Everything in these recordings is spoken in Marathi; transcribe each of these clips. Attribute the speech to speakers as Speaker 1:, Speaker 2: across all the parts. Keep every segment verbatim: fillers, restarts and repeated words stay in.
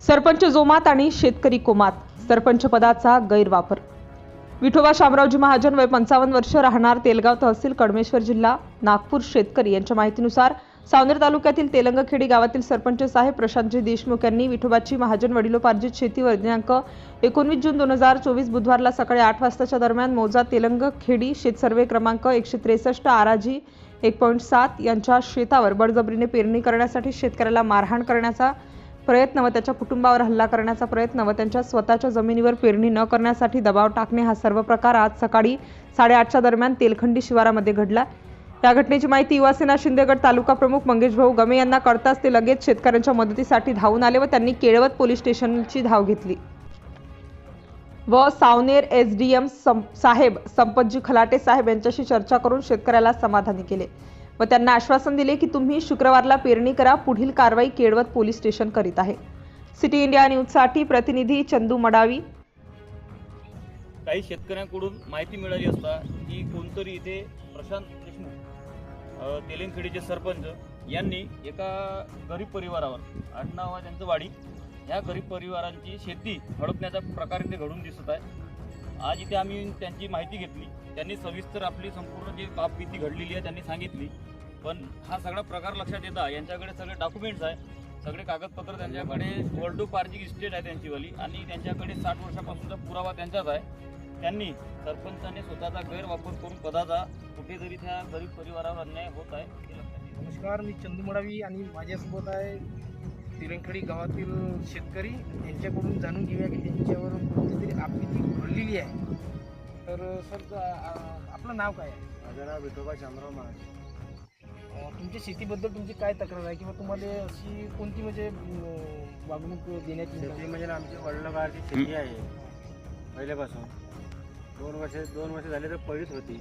Speaker 1: सरपंच जोमात आणि शेतकरी कोमात, सरपंच पदाचा गैरवापर। विठोबा शामरावजी महाजन वय पंचावन्न वर्ष, राहणार तेलगाव तहसील कडमेश्वर जिल्हा नागपूर। शेतकरी यांच्या माहितीनुसार सावनेर तालुक्यातील तेलंगखेडी गावातील सरपंच साहेब प्रशांतजी देशमुख यांनी विठोबाची महाजन वडिलोपार्जित शेतीवर दिनांक एकोणवीस जून दोन हजार चोवीस बुधवारला सकाळी आठ वाजताच्या दरम्यान मौजा तेलंगखेडी शेत सर्वे क्रमांक एकशे त्रेसष्ट आराजी एक पॉईंट सात यांच्या शेतावर बळजबरीने पेरणी करण्यासाठी शेतकऱ्याला मारहाण करण्याचा प्रयत्न व त्याच्या कुटुंबावर हल्ला करण्याचा प्रयत्न व त्यांच्या स्वतःच्या जमिनीवर पेरणी न करण्यासाठी दबाव टाकणे हा सर्व प्रकार आज सकाळी साडेआठच्या दरम्यान तेलखंडी शिवारामध्ये घडला। या घटनेची माहिती युवासेना शिंदेगड तालुका प्रमुख मंगेश भाऊ गमे यांना कळताच ते लगेच शेतकऱ्यांच्या मदतीसाठी धावून आले व त्यांनी केळवत पोलीस स्टेशनची धाव घेतली व सावनेर एसडीएम साहेब संपतजी खलाटे साहेब यांच्याशी चर्चा करून शेतकऱ्याला समाधानी केले व त्यांना आश्वासन दिले की तुम्ही शुक्रवारला पेरणी करा, पुढील कारवाई केळवत पोलीस स्टेशन करीत आहे। सिटी इंडिया न्यूज साठी प्रतिनिधी चंदू मडावी।
Speaker 2: काही शेतकऱ्यांकडून माहिती मिळाली असता की कोणतरी इथे प्रशांत देशमुख तेलंगखेडीचे सरपंच यांनी एका गरीब परिवारावर आडनाव आहे त्यांचं वाडी, ह्या गरीब परिवारांची शेती हडपण्याचा प्रकार इथे घडून दिसत आहे। आज इथे आम्ही त्यांची माहिती घेतली, त्यांनी सविस्तर आपली संपूर्ण जी बाबभीती घडलेली आहे त्यांनी सांगितली। पण हा सगळा प्रकार लक्षात येता यांच्याकडे सगळे डॉक्युमेंट्स आहे, सगळे कागदपत्र त्यांच्याकडे, वडिलोपार्जित इस्टेट आहे त्यांचीवाली आणि त्यांच्याकडे साठ वर्षापासूनचा पुरावा त्यांचाच आहे। त्यांनी सरपंचाने स्वतःचा गैरवापर करून पदाचा कुठेतरी त्या गरीब परिवारावर अन्याय होत आहे हे लक्षात येते।
Speaker 3: नमस्कार, मी चंदू मडावी आणि माझ्यासोबत आहे तेलंगखेडी गावातील शेतकरी। यांच्याकडून जाणून घेऊया की त्यांच्यावर कोणतीतरी आपत्ती घडलेली आहे। तर सर, आपलं नाव काय आहे?
Speaker 4: माझं नाव विठोबा शामराव महाजन।
Speaker 3: तुमच्या शेतीबद्दल तुमची काय तक्रार आहे किंवा तुम्हाला अशी कोणती म्हणजे वागणूक देण्यात येईल?
Speaker 4: शेती म्हणजे आमची वडिलोपार्जित शेती आहे पहिल्यापासून। दोन वर्ष दोन वर्ष झाले तर पडीत होती,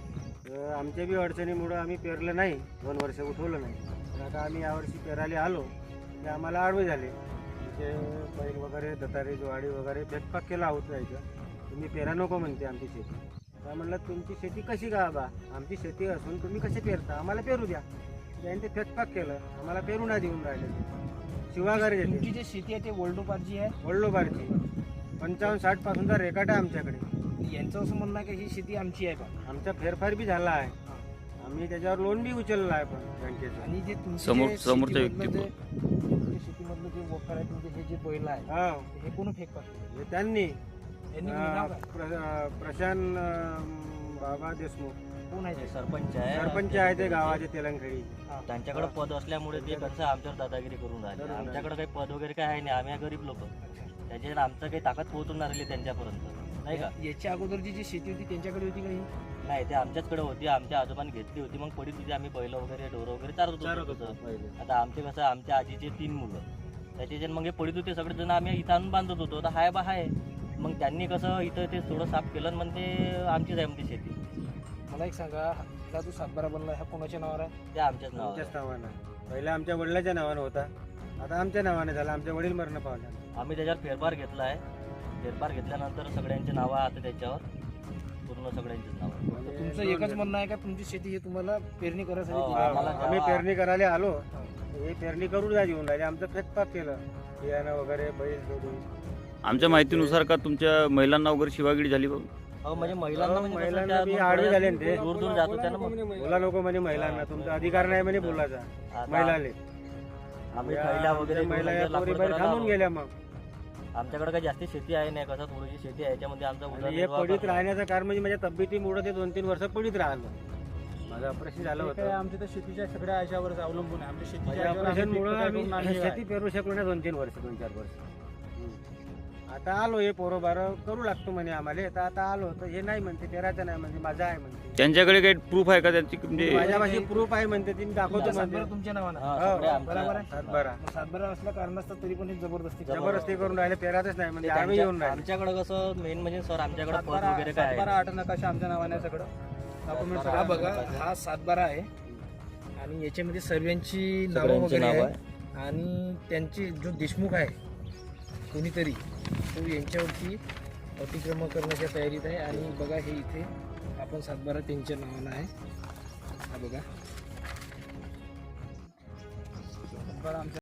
Speaker 4: तर आमच्या बी अडचणीमुळं आम्ही पेरलं नाही, दोन वर्ष उठवलं नाही। तर आता आम्ही यावर्षी पेरायला आलो ते आम्हाला आडवे झाले, तिथे बैल वगैरे दतारी ज्वाडी वगैरे फेकपाक केला होत जायचं, तुम्ही पेरा नको म्हणते आमची शेती। तर म्हणलं तुमची शेती कशी का बा, आमची शेती असून तुम्ही कसे पेरता, आम्हाला पेरू द्या। त्यांनी ते फेकपाक केलं, आम्हाला पेरू नाही देऊन राहिले, शिवागारी देते।
Speaker 3: तुमची जी शेती आहे ते वडिलोपार्जित आहे?
Speaker 4: वडिलोपार्जित पंचावन्न साठ पासूनचा रेकॉर्ड आहे आमच्याकडे।
Speaker 3: यांचं असं म्हणणं आहे की ही शेती आमची आहे का?
Speaker 4: आमचा फेरफार बी झाला आहे, आम्ही त्याच्यावर लोन बी उचललं आहे पण बँकेचं।
Speaker 3: आणि जे तुमचे
Speaker 2: समोर
Speaker 3: जे
Speaker 2: समोरच्या
Speaker 3: शेतीमधलं
Speaker 2: व्यक्ती
Speaker 3: जे- तुमच्या शेतीमधलं जे वखर आहे, तुमचे हे जे बैल आहे
Speaker 4: हा,
Speaker 3: हे कोण फेकतात?
Speaker 4: हे त्यांनी
Speaker 3: यांनी
Speaker 4: अं,
Speaker 3: नाव काय?
Speaker 4: प्र- अं, प्रशांत अं, बाबा देशमुख
Speaker 3: कोण आहे ते?
Speaker 5: सरपंच आहे,
Speaker 4: सरपंच आहे ते गावाचे तेलंगखेडी।
Speaker 3: हा.
Speaker 5: त्यांच्याकडे पद असल्यामुळे ते कसं आमच्यावर दादागिरी करून राहिले।
Speaker 4: करून राहिले.
Speaker 5: आमच्याकडे काही पद वगैरे काय आहे नाही, आम्ही गरीब लोक, त्याच्यात आमचं काही ताकद पोहोचून राहिली त्यांच्यापर्यंत नाही का?
Speaker 3: याच्या अगोदरची जी शेती होती त्यांच्याकडे होती का ही?
Speaker 5: नाही, ते आमच्याचकडे होती, आमच्या आजोबांनी घेतली होती, मग पडीत होती, आम्ही बैल वगैरे ढोरं वगैरे चारत
Speaker 4: चारत
Speaker 5: होतो
Speaker 4: होतो पहिले।
Speaker 5: आता आमचे कसं, आमच्या आजीचे तीन मुलं, त्याचे मग हे पडीत होते सगळेजण, आम्ही इथं आणून बांधत होतो, तर हाय बा हाय। मग त्यांनी कसं इथं ते थोडं साफ केलं आणि मग ते आमचीच आहे म्हणते शेती।
Speaker 3: मला एक सांगा, हा जो सातबारा बनला ह्या कोणाच्या नावावर आहे?
Speaker 5: ते आमच्याच नावावर
Speaker 4: आमच्याच नावानं, पहिला आमच्या वडिलाच्या नावानं होता, आता आमच्या नावाने झाला, आमच्या वडील मरण पावल्या।
Speaker 5: आम्ही त्याच्यावर फेरफार घेतला आहे, फेरफार घेतल्यानंतर सगळ्यांचे नावं आता त्याच्यावर पूर्ण सगळ्यांचेच नाव आहे।
Speaker 4: म्हणजे
Speaker 3: तुमचं एकच म्हणणं आहे का तुमची शेती हे तुम्हाला पेरणी करायसाठी
Speaker 5: हो,
Speaker 3: दिली?
Speaker 5: आम्हाला
Speaker 4: आम्ही
Speaker 5: जेव्हा-
Speaker 4: पेरणी करायला आलो, हे पेरणी करून जा येऊन राहिले, आमचं फेकपाक केलं, बियाणं वगैरे बैल जोडून।
Speaker 2: आमच्या माहितीनुसार का तुमच्या महिलांना वगैरे शिवागिरी झाली बाबा?
Speaker 5: हो, म्हणजे महिलांना म्हणजे कसं
Speaker 4: महिलांना
Speaker 5: त्या
Speaker 4: बी
Speaker 5: मग
Speaker 4: आडवे झाले ना
Speaker 5: दूर
Speaker 4: ते।
Speaker 5: दूर दूर जात होत्या ना मग।
Speaker 4: बोला नको म्हणे महिलांना, तुमचा अधिकार नाही म्हणे बोलायचा
Speaker 5: आता
Speaker 4: महिलाले।
Speaker 5: आम्ही खैल्या वगैरे
Speaker 4: महिला
Speaker 5: दोन
Speaker 4: या
Speaker 5: हजार
Speaker 4: पोरी
Speaker 5: लाकूड
Speaker 4: बाहेर
Speaker 5: करायला
Speaker 4: थांबून गेल्या मग।
Speaker 5: आलो. आमच्याकडे काही जास्ती शेती आहे नाही, कसं थोडीशी शेती आहे, याच्यामध्ये आमचा
Speaker 4: आणि हे
Speaker 5: उदरनिर्वाह
Speaker 4: पडीत
Speaker 5: करतो.
Speaker 4: राहण्याचं कारण म्हणजे माझ्या तब्येतीमुळे ते दोन तीन वर्ष पडीत राहिलं, माझं ऑपरेशन झालं होतं।
Speaker 3: आमच्या तर शेतीच्या सगळ्या याच्यावर अवलंबून आहे, आमच्या
Speaker 4: माझ्या ऑपरेशनमुळे आम्ही शेती पेरू शकलो नाही दोन तीन वर्ष, दोन चार वर्ष। आता आलो हे पोरं बारं करू लागतो म्हणे आम्हाला, तर आता आलो तर हे नाही म्हणते, पेरायचं नाही म्हणजे माझा आहे म्हणते।
Speaker 2: त्यांच्याकडे काही प्रूफ आहे का त्यांची म्हणजे?
Speaker 4: माझ्यापाशी प्रूफ आहे म्हणते, ती मी दाखवतो म्हणते।
Speaker 3: सातबारा तुमच्या नावानं?
Speaker 5: हा,
Speaker 4: हो,
Speaker 5: सगळे आमच्या-
Speaker 3: बरोबर आहे.
Speaker 4: सातबारा
Speaker 3: मग सातबारा असल्या कारणास्तव तरी पण ही जबरदस्ती करतात.
Speaker 4: जबरदस्ती करून राहिले, पेरातच नाही म्हणजे
Speaker 5: ते
Speaker 4: आम्ही
Speaker 5: त्यांच्या-
Speaker 4: येऊन राहिले।
Speaker 5: आमच्याकडे कसं मेन म्हणजे सर, आमच्याकडे पद
Speaker 3: सातबारा
Speaker 5: वगैरे काय
Speaker 3: सातबारा
Speaker 5: आहे?
Speaker 3: आठ नकाशा आमच्या नावाने आहे सगळं डॉक्युमेंट।
Speaker 5: सातबारा
Speaker 3: हा बघा,
Speaker 5: आठ नकाशा.
Speaker 3: हा सातबारा आहे आणि याच्यामध्ये सर्वांची नावं
Speaker 5: सगळ्यांचे
Speaker 3: वगैरे
Speaker 5: नाव
Speaker 3: आहे आणि त्यांची जो देशमुख आहे कोणीतरी, तो यांच्यावरती अतिक्रमण करण्याच्या तयारीत आहे। आणि बघा, हे इथे आपण सातबारा त्यांच्या नावानं आहे, हा बघा सातबारा आमच्या